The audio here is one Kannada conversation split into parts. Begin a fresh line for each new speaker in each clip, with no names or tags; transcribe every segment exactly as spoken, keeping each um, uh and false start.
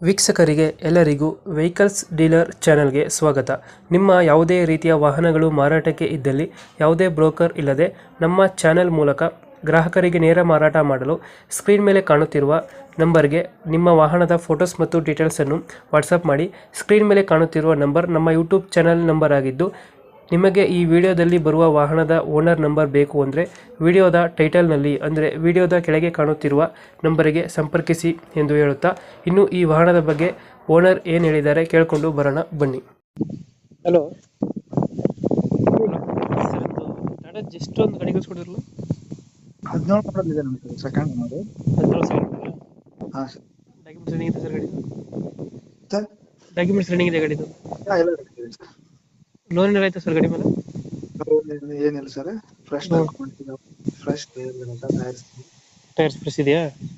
ವೀಕ್ಷಕರಿಗೆ ಎಲ್ಲರಿಗೂ ವೆಹಿಕಲ್ಸ್ ಡೀಲರ್ ಚಾನೆಲ್ಗೆ ಸ್ವಾಗತ. ನಿಮ್ಮ ಯಾವುದೇ ರೀತಿಯ ವಾಹನಗಳು ಮಾರಾಟಕ್ಕೆ ಇದ್ದಲ್ಲಿ ಯಾವುದೇ ಬ್ರೋಕರ್ ಇಲ್ಲದೆ ನಮ್ಮ ಚಾನೆಲ್ ಮೂಲಕ ಗ್ರಾಹಕರಿಗೆ ನೇರ ಮಾರಾಟ ಮಾಡಲು ಸ್ಕ್ರೀನ್ ಮೇಲೆ ಕಾಣುತ್ತಿರುವ ನಂಬರ್ಗೆ ನಿಮ್ಮ ವಾಹನದ ಫೋಟೋಸ್ ಮತ್ತು ಡೀಟೇಲ್ಸನ್ನು ವಾಟ್ಸಪ್ ಮಾಡಿ. ಸ್ಕ್ರೀನ್ ಮೇಲೆ ಕಾಣುತ್ತಿರುವ ನಂಬರ್ ನಮ್ಮ ಯೂಟ್ಯೂಬ್ ಚಾನೆಲ್ ನಂಬರ್ ಆಗಿದ್ದು, ನಿಮಗೆ ಈ ವಿಡಿಯೋದಲ್ಲಿ ಬರುವ ವಾಹನದ ಓನರ್ ನಂಬರ್ ಬೇಕು ಅಂದರೆ ವಿಡಿಯೋದ ಟೈಟಲ್ನಲ್ಲಿ ಅಂದರೆ ವಿಡಿಯೋದ ಕೆಳಗೆ ಕಾಣುತ್ತಿರುವ ನಂಬರಿಗೆ ಸಂಪರ್ಕಿಸಿ ಎಂದು ಹೇಳುತ್ತಾ, ಇನ್ನು ಈ ವಾಹನದ ಬಗ್ಗೆ ಓನರ್ ಏನು ಹೇಳಿದ್ದಾರೆ ಕೇಳಿಕೊಂಡು ಬರೋಣ ಬನ್ನಿ. ಹಲೋ ಸರ್, ಟಾಟಾ ಜಸ್ಟ್ ಒಂದು ಗಾಡಿ ಕಳಿಸ್ಕೊಡಿರಲ್ಲ,
ಹದಿನೇಳು ಮಾಡಲ್ ಇದೆ ನಮಗೆ ಸೆಕೆಂಡ್ ಮಾಡಿ.
ಹದಿನೇಳು ಸಾವಿರ
ಹಾಂ ಸರ್.
ಡಾಕ್ಯುಮೆಂಟ್ಸ್ ರನ್ನಿಂಗ್ ಇದೆ ಸರ್ ಗಾಡಿದು?
ಸರ್
ಡಾಕ್ಯುಮೆಂಟ್ಸ್ ರನ್ನಿಂಗ್ ಇದೆ ಗಾಡಿದು?
ಹಾಂ ಎಲ್ಲ ready ಇದೆ ಸರ್.
ಲೋನ್ ಏನಾರ ಆಯ್ತಾ ಸರ್ ಗಾಡಿ ಮೇಲೆ?
ಲೋನ್ ಏನಿಲ್ಲ ಸರ್, ಫ್ರೆಶ್ ಹಾಕೊಂಡಿದ್ದೀವಿ. ಫ್ರೆಶ್ ಟೈರ್ಸ್
ಟೈರ್ಸ್ ಫ್ರೆಶ್ ಇದೆಯಾ?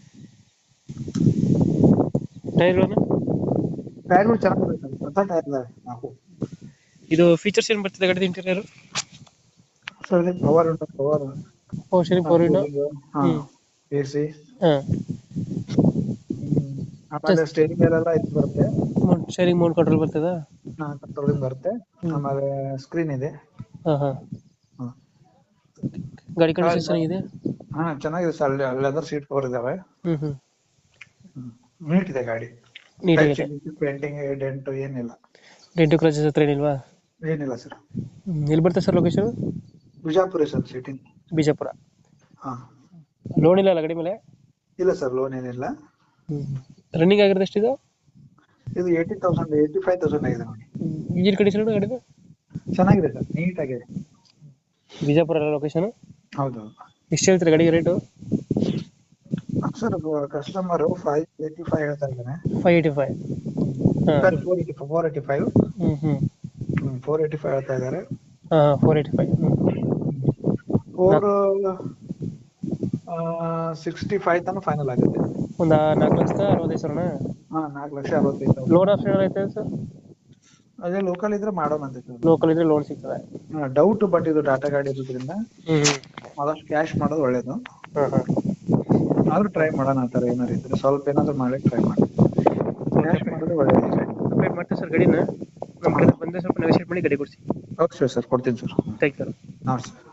ಟೈರ್ಗಳನ್ನು
ಟೈರ್ಗಳು ಚೆನ್ನಾಗಿದೆ ಸರ್, ಹೊಸ ಟೈರ್ ಇದಾವೆ ನಾಲ್ಕು.
ಇದು ಫೀಚರ್ಸ್ ಏನು ಬರ್ತದೆ ಗಾಡಿದ ಇಂಟೀರಿಯರ್?
ಸರ್ ಇದು ಪವರ್ ಉಂಟು, power
power sharing, power window,
ಹಾಂ, ಎ ಸಿ,
ಹಾಂ,
ಆಮೇಲೆ ಸ್ಟೇರಿಂಗ್ ಎಲ್ಲ ಇದು ಬರುತ್ತೆ.
ಶೇರಿಂಗ್ ಮೌಂಟ್ ಕಂಟ್ರೋಲ್ ಬರ್ತದ?
ಹಾಂ, ಕಂಟ್ರೋಲಿಂಗ್ ಬರುತ್ತೆ. ಆಮೇಲೆ ಸ್ಕ್ರೀನ್ ಇದೆ.
ಹಾಂ ಹಾಂ.
ಹಾಂ,
ಗಾಡಿ ಕಂಡೀಷನ್ ಚೆನ್ನಾಗಿದೆ?
ಹಾಂ ಚೆನ್ನಾಗಿದೆ ಸರ್. ಲೆದರ್ ಸೀಟ್ ಕವರ್ ಇದಾವೆ.
ಹ್ಞೂ ಹ್ಞೂ.
ನೀಟ್ ಇದೆ ಗಾಡಿ.
ನೀಟಾಗಿದೆ?
ಪೇಂಟಿಂಗ್ ಡೆಂಟ್ ಏನಿಲ್ಲ.
ಡೆಂಟು ಕ್ರಾಚಸ್ ಹತ್ರ ಏನಿಲ್ವಾ?
ಏನಿಲ್ಲ ಸರ್.
ಎಲ್ಲಿ ಬರ್ತದೆ sir location?
Bijapur sir, city
Bijapur.
ಹಾಂ.
ಲೋನ್ ಇಲ್ಲ ಅಲ್ಲ ಗಾಡಿ ಮೇಲೆ?
ಇಲ್ಲ ಸರ್, ಲೋನ್ ಏನಿಲ್ಲ.
ರನ್ನಿಂಗ್ ಆಗಿರೋದು ಎಷ್ಟಿದೆ?
ಇದು eighty thousand eighty five thousand ಆಗಿದೆ ನೋಡಿ.
ಇಂಜಿನ್ ಕಂಡೀಷನ್ ಗಾಡಿದು
ಚೆನ್ನಾಗಿದೆ ಸರ್, ನೀಟ್ ಆಗಿದೆ.
ಬಿಜಾಪುರ ಲೊಕೇಶನ್?
ಹೌದು.
ಎಷ್ಟು ಹೇಳ್ತೀರಾ ಗಾಡಿಗೆ rate?
Sir customer five eighty five ಹೇಳ್ತಾ ಇದ್ದಾನೆ.
Five eighty five
sir four eighty four eighty five
ಹ್ಞೂ ಹ್ಞೂ
ಫೋರ್ ಏಯ್ಟಿ ಫೈವ್ ಹೇಳ್ತಾ ಇದ್ದಾರೆ.
ಹಾಂ, four eighty five
four sixty five ತನಕ ಫೈನಲ್ ಆಗುತ್ತೆ.
ಒಂದು ನಾಲ್ಕು ಲಕ್ಷದ ಅರವತ್ತೈದು ಸಾವಿರನಾ?
ಹಾಂ, ನಾಲ್ಕು ಲಕ್ಷ ಅರವತ್ತೈದು.
ಲೋನ್ ಆಪ್ಷನ್ ಐತೆ ಸರ್?
ಅದೇ ಲೋಕಲ್ ಇದ್ರೆ ಮಾಡೋಣ ಅಂತ ಸರ್.
ಲೋಕಲ್ ಇದ್ರೆ ಲೋನ್ ಸಿಗ್ತದೆ?
ಹಾಂ, ಡೌಟ್, ಬಟ್ ಇದು ಟಾಟಾ ಗಾಡಿ ಇರೋದ್ರಿಂದ
ಹ್ಞೂ ಹ್ಞೂ.
ಆದಷ್ಟು ಕ್ಯಾಶ್ ಮಾಡೋದು ಒಳ್ಳೇದು.
ಹಾಂ ಹಾಂ.
ಆದ್ರೂ ಟ್ರೈ ಮಾಡೋಣ ಆ ಥರ ಏನಾರು ಇದ್ರೆ, ಸ್ವಲ್ಪ ಏನಾದರೂ ಮಾಡಕ್ಕೆ ಟ್ರೈ ಮಾಡಿ. ಕ್ಯಾಶ್ ಮಾಡೋದು ಒಳ್ಳೇದು.
ಅಪ್ಡೇಟ್ ಮಾಡ್ತೀವಿ ಸರ್ ಗಾಡಿನ, ನಮ್ಮ ಕಡೆ ಬಂದರೆ ಸ್ವಲ್ಪ ನೆಗೋಷಿಯೇಟ್ ಮಾಡಿ ಗಾಡಿ ಕೊಡಿಸಿ.
ಓಕೆ ಸರ್, ಕೊಡ್ತೀನಿ ಸರ್.
Thank you.
ಹಾಂ ಸರ್.